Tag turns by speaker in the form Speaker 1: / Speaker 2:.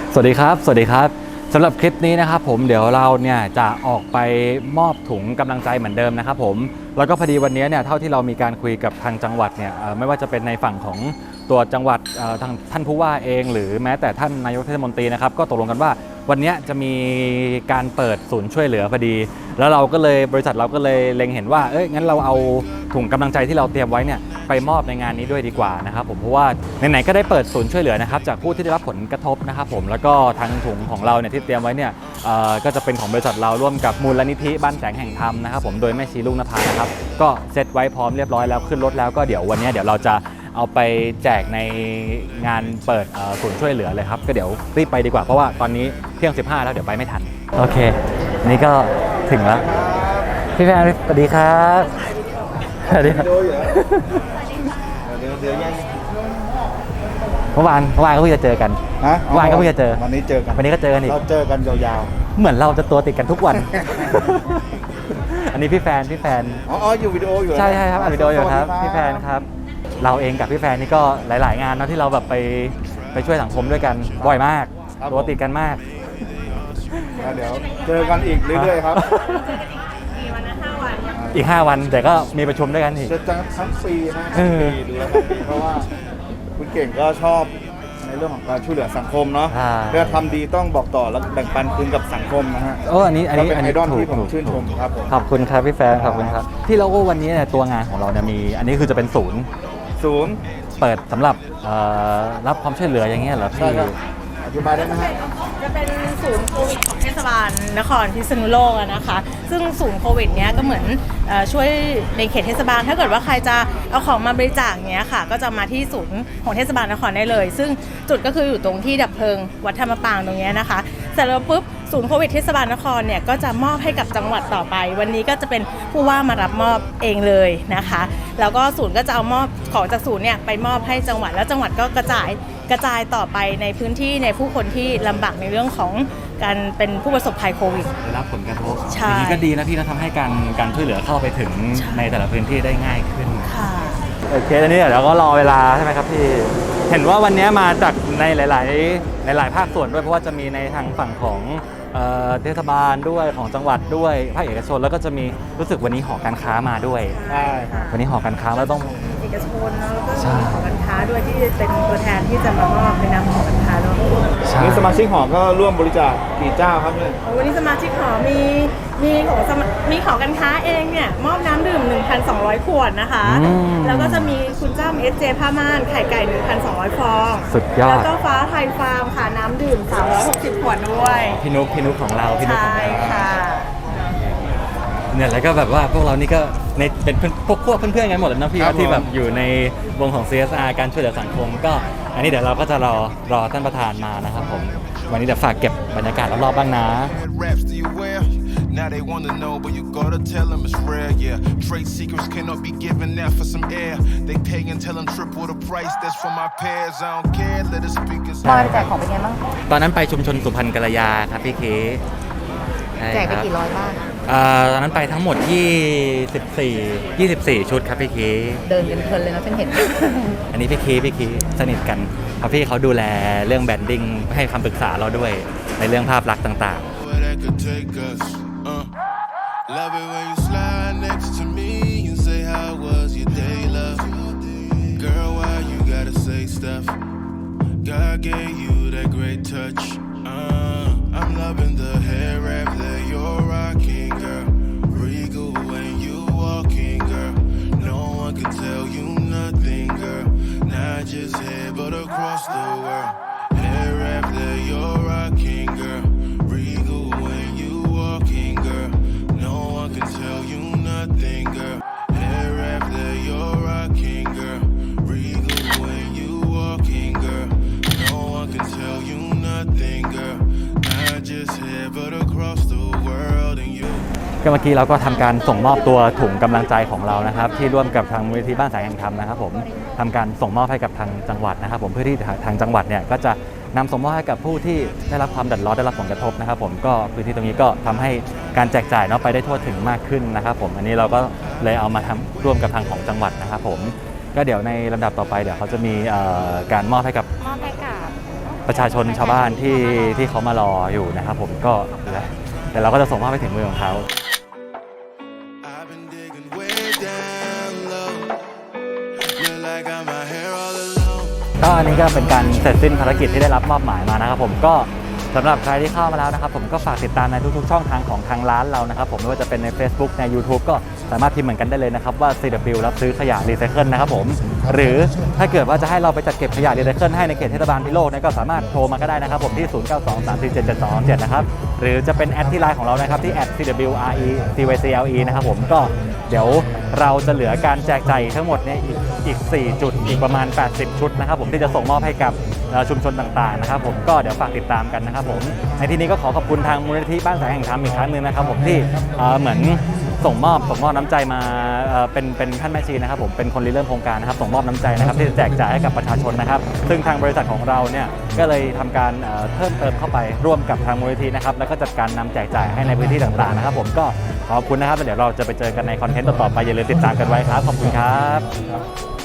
Speaker 1: สวัสดีครับสวัสดีครับสำหรับคลิปนี้นะครับผมเดี๋ยวเราเนี่ยจะออกไปมอบถุงกำลังใจเหมือนเดิมนะครับผมแล้วก็พอดีวันนี้เนี่ยเท่าที่เรามีการคุยกับทางจังหวัดเนี่ยไม่ว่าจะเป็นในฝั่งของตัวจังหวัดทางท่านผู้ว่าเองหรือแม้แต่ท่านนายกเทศมนตรีนะครับก็ตกลงกันว่าวันนี้จะมีการเปิดศูนย์ช่วยเหลือพอดีแล้วเราก็เลยบริษัทเราก็เลยเล็งเห็นว่างั้นเราเอาถุงกำลังใจที่เราเตรียมไว้เนี่ยไปมอบในงานนี้ด้วยดีกว่านะครับผมเพราะว่าไหนๆก็ได้เปิดศูนย์ช่วยเหลือนะครับจากผู้ที่ได้รับผลกระทบนะครับผมแล้วก็ทางถุงของเราเนี่ยที่เตรียมไว้เนี่ยก็จะเป็นของบริษัทเราร่วมกับมูลนิธิบ้านแสงแห่งธรรมนะครับผมโดยแม่ชีลูกนภานะครับก็เซตไว้พร้อมเรียบร้อยแล้วขึ้นรถแล้วก็เดี๋ยววันนี้เดี๋ยวเราจะเอาไปแจกในงานเปิดศูนย์ช่วยเหลือเลยครับก็เดี๋ยวรีบไปดีกว่าเพราะว่าตอนนี้เที่ยง15แล้วเดี๋ยวไปไม่ทันโอเคนี่ก็ถึงแล้วพี่แฟนสวัสดีครับสวัสดีครับเมื่อวานก็เพิ่งจะเจอกันเมื่อวานก็เพิ่งจะเจอ
Speaker 2: วันนี้เจอกัน
Speaker 1: วันนี้ก็เจอกันอีก
Speaker 2: เราเจอกันยาว
Speaker 1: ๆเหมือนเราจะตัวติดกันทุกวัน อันนี้พี่แฟน
Speaker 2: อ๋ออยู่วิดีโออยู่
Speaker 1: ใช่ครับอัดวิดีโออยู่ครับพี่แฟนครับเราเองกับพี่แฟนนี่ก็หลายๆงานเนาะที่เราแบบไปช่วยสังคมด้วยกันบ่อยมากตัวติดกันมาก
Speaker 2: เดี๋ยวเจอกันอีกเรื่อยๆครับ
Speaker 1: อีก5 วันแต่ก็มีประชุมด้วยกันอีก
Speaker 2: จะทั้งปีนะดูแลเพราะว่าคุณเก่งก็ชอบในเรื่องของการช่วยเหลือสังคมเนาะเพื่อทำดีต้องบอกต่อแล้วแบ่งปันคืนกับสังคมนะฮะ
Speaker 1: อันนี้
Speaker 2: เป็นไอดอลที่ผมชื่นชมครับ
Speaker 1: ขอบคุณครับพี่แฟนขอบคุณครับที่เราก็วันนี้เนี่ยตัวงานของเราเนี่ยมีอันนี้คือจะเป็นศูนย์เปิดสำหรับรับความช่วยเหลืออย่างเงี้ยเหรอพี่
Speaker 2: อธิบายได้ไหมครับ
Speaker 3: จะเป็นศูนย์โควิดของเทศบาลนครพิษณุโลกนะคะซึ่งศูนย์โควิดเนี้ยก็เหมือนช่วยในเขตเทศบาลถ้าเกิดว่าใครจะเอาของมาบริจาคเนี้ยค่ะก็จะมาที่ศูนย์ของเทศบาลนครได้เลยซึ่งจุดก็คืออยู่ตรงที่ดับเพลิงวัดธรรมปางตรงเนี้ยนะคะเสร็จแล้วปุ๊บศูนย์โควิดเทศบาลนครเนี่ยก็จะมอบให้กับจังหวัดต่อไปวันนี้ก็จะเป็นผู้ว่ามารับมอบเองเลยนะคะแล้วก็ศูนย์ก็จะเอามอบของจากศูนย์เนี่ยไปมอบให้จังหวัดแล้วจังหวัดก็กระจายต่อไปในพื้นที่ในผู้คนที่ลำบากในเรื่องของการเป็นผู้ประสบภัยโควิด
Speaker 1: ได้รับผลกระทบอย่างนี้ก็ดีนะพี่นะทำให้การช่วยเหลือเข้าไปถึงในแต่ละพื้นที่ได้ง่ายขึ้น
Speaker 3: ค่ะ
Speaker 1: โอเคตอนนี้เดี๋ยวก็รอเวลาใช่ไหมครับพี่เห็นว่าวันนี้มาจากในหลายภาคส่วนด้วยเพราะว่าจะมีในทางฝั่งของเทศบาลด้วยของจังหวัดด้วยภาคเอกชนแล้วก็จะมีรู้สึกวันนี้หอการค้ามาด้วย
Speaker 3: ใช่
Speaker 1: วันนี้หอการค้าแล้วต้อง
Speaker 3: เอกชนแล้วก็หอการค้าด้วยที่เป็นตัวแทนที่จะมามอบในนามหอการค้าแล้ว
Speaker 2: นี่สมาชิกหอก็ร่วมบริจาคกี่เจ้าครับเนี่ย
Speaker 3: วันนี้สมาชิกหอมีของการค้าเองเนี่ยมอบน้ำดื่ม 1,200 ขวดนะคะแล้วก็จะมีคุณจ้ำ SJ ผ้าม่านไข่ไก่ 1,200 ฟอง
Speaker 1: สุดยอด
Speaker 3: แล้วก็ฟ้าไทยฟาร์มค่ะน้ำดื่ม360 ขวดด้วย
Speaker 1: พี่นุ๊กของเรา
Speaker 3: ใช่ค่ะ
Speaker 1: เนี่ยแล้วก็แบบว่าพวกเรานี่ก็เป็นพวกเพื่อนๆกันหมดเลยนะพี่ที่แบบอยู่ในวงของ CSR การช่วยเหลือสังคมก็อันนี้เดี๋ยวเราก็จะรอท่านประธานมานะครับผมวันนี้เดี๋ยวฝากเก็บบรรยากาศรอบๆบ้างนะ
Speaker 4: Now they wanna know, but you gotta tell them it's rare, yeah. Trade secrets cannot be given out for some air. They pay and tell them triple the price, that's for my peers. I don't care, let the speakers.
Speaker 3: ตอนแจกของเป็นไงบ้าง
Speaker 1: ตอนนั้นไปชุมชนสุพรรณกัลยาครับพี่เค
Speaker 3: แจกไปกี่ร้อยบ้าง
Speaker 1: ตอนนั้นไปทั้งหมด24ชุดครับพี่เค
Speaker 3: เดินกันเพลินเลยนะฉันเห็น
Speaker 1: อันนี้พี่เคสนิทกันเพราะพี่เขาดูแลเรื่องแบรนดิ้งให้คำปรึกษาเราด้วยในเรื่องภาพลักษณ์ต่างๆ
Speaker 4: Love it when you slide next to me and say how was your day, love. Girl, why you gotta say stuff? God gave you that great touch. I'm loving the hair wrap that you're rocking, girl. Regal when you walking, girl. No one can tell you nothing, girl. Not just here but across the world. Hair wrap that you're rocking, girl.Regal when you walking, girl.No one can tell you nothing, girl. Hair wrap that you're rocking, girl. Regal when you walking, girl. No one can tell you nothing, girl. Not just here, but across the world and you.
Speaker 1: ก็เมื่อกี้เราก็ทำการส่งมอบตัวถุงกำลังใจของเรานะครับที่ร่วมกับทางมูลนิธิบ้านแสงแห่งธรรมนะครับผมทำการส่งมอบให้กับทางจังหวัดนะครับผมเพื่อที่ทางจังหวัดเนี่ยก็จะนำส่งมอบให้กับผู้ที่ได้รับความเดือดร้อนได้รับผลกระทบนะครับผมก็พื้นที่ตรงนี้ก็ทำให้การแจกจ่ายเนาะไปได้ทั่วถึงมากขึ้นนะครับผมอันนี้เราก็เลยเอามาทำร่วมกับทางของจังหวัดนะครับผมก็เดี๋ยวในลำดับต่อไปเดี๋ยวเขาจะมีการมอบให้กับประชาชนชาวบ้านที่เขามารออยู่นะครับผมก็เดี๋ยวเราก็จะส่งมอบไปถึงมือของเขา
Speaker 4: I've been digging way down low. Look like I got my hair all alone.
Speaker 1: ก็อันนี้ก็เป็นการเสร็จสิ้นภารกิจที่ได้รับมอบหมายมานะครับผมก็สำหรับใครที่เข้ามาแล้วนะครับผมก็ฝากติดตามในทุกๆช่องทางของทางร้านเรานะครับผมไม่ว่าจะเป็นใน Facebook ใน YouTube ก็สามารถพิมพ์เหมือนกันได้เลยนะครับว่า CW รับซื้อขยะรีไซเคิลนะครับผมหรือถ้าเกิดว่าจะให้เราไปจัดเก็บขยะรีไซเคิลให้ในเขตเทศบาลพิโลกเนี่ยก็สามารถโทรมาก็ได้นะครับผมที่ 0923477227 นะครับหรือจะเป็นแอดที่ไลน์ของเรานะครับที่ @CWRECYCLE นะครับผมก็เดี๋ยวเราจะเหลือการแจกจ่ายทั้งหมดเนี่ยอีก4จุดอีกประมาณ80ชุดนะครับผมที่จะส่งมอบให้กับชุมชนต่างๆนะครับผมก็เดี๋ยวฝากติดตามกันนะครับผมในที่นี้ก็ขอขอบคุณทางมูลนิธิบ้านแสงแห่งธรรมอีกครั้งหนึ่งนะครับผมที่เหมือนส่งมอบน้ำใจมาเป็นท่านแม่ชีนะครับผมเป็นคนริเริ่มโครงการนะครับส่งมอบน้ำใจนะครับที่จะแจกจ่ายให้กับประชาชนนะครับซึ่งทางบริษัทของเราเนี่ยก็เลยทำการเพิ่มเติมเข้าไปร่วมกับทางมูลนิธินะครับแล้วก็จัดการนำแจกจ่ายให้ในพื้นที่ต่างๆนะครับผมก็ขอบคุณนะครับแล้วเดี๋ยวเราจะไปเจอกันในคอนเทนต์ต่อๆไปอย่าลืมติดตามกันไว้ครับขอบคุณครับ